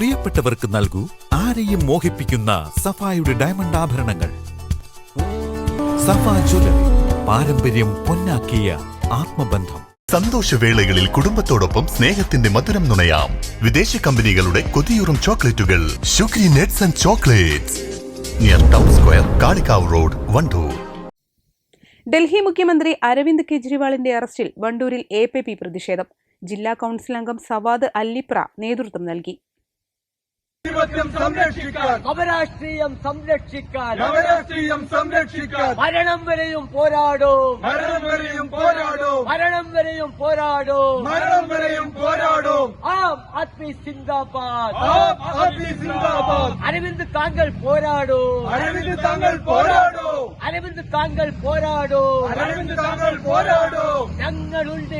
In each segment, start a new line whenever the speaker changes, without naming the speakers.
പ്രിയപ്പെട്ടവർക്ക് നൽകൂ ആരെയും മോഹിപ്പിക്കുന്ന സഫായുടെ ഡയമണ്ട് ആഭരണങ്ങൾ. സഫ ജ്വല്ലറി, പാരമ്പര്യം പൊന്നാക്കിയ ആത്മബന്ധം.
സന്തോഷവേളകളിൽ കുടുംബത്തോടൊപ്പം സ്നേഹത്തിന്റെ മധുരം നുണയാം. വിദേശ കമ്പനികളുടെ കൊതിയൂറും ചോക്ലേറ്റുകൾ ഷുഗ്രി നെറ്റ്സ് and chocolates, near town square, Kalikavu road, Wandoor.
Delhi മുഖ്യമന്ത്രി അരവിന്ദ് കെജ്രിവാളിന്റെ അറസ്റ്റിൽ വണ്ടൂരിൽ APP പ്രതിഷേധം. ജില്ലാ കൌൺസിൽ അംഗം സവാദ് അല്ലിപ്ര നേതൃത്വം നൽകി.
നവരാഷ്ട്രീയം സംരക്ഷിക്കാൻ മരണം വരെയും പോരാടും. ആം ആദ്മി സിന്ദാബാദ്. അരവിന്ദ് താങ്കൾ പോരാടൂ. അരവിന്ദ് താങ്കൾ പോരാടൂ. ഞങ്ങളുണ്ട്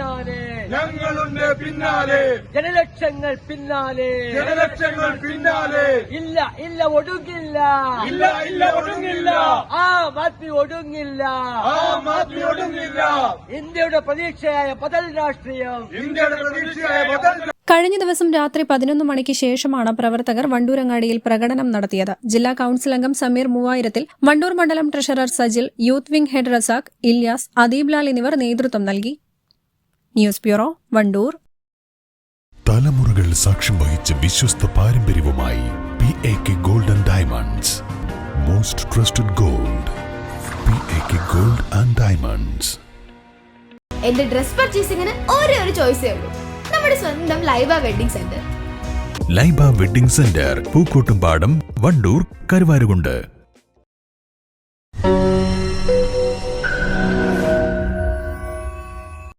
പിന്നാലെ. ജനലക്ഷങ്ങൾ പിന്നാലെ. ഇല്ല ഒടുങ്ങില്ല. ആം ആദ്മി ഒടുങ്ങില്ല. ഇന്ത്യയുടെ പ്രതീക്ഷയായ ബദൽ രാഷ്ട്രീയം.
കഴിഞ്ഞ ദിവസം രാത്രി 11 മണിക്ക് ശേഷമാണ് പ്രവർത്തകർ വണ്ടൂരങ്ങാടിയിൽ പ്രകടനം നടത്തിയത്. ജില്ലാ കൌൺസിൽ അംഗം സമീർ മൂവായിരത്തിൽ, വണ്ടൂർ മണ്ഡലം treasurer Sajil, youth wing head Razak, Ilyas, Adeeb Lal എന്നിവർ നേതൃത്വം നൽകി. News bureau, Wandoor.
തലമുറകൾ സാക്ഷ്യം വഹിച്ച വിശ്വസ്ത പാരമ്പര്യവുമായി PAK Gold and Diamonds. Most trusted gold. PAK Gold and Diamonds.
എന്റെ ഡ്രസ് പർച്ചേസിംഗിന് ഒരേ ഒരു ചോയ്സേ ഉള്ളൂ, നമ്മുടെ സ്വന്തം Laiba wedding centre.
Laiba wedding centre, Pookkottumpadam, Wandoor, Karuvarakundu.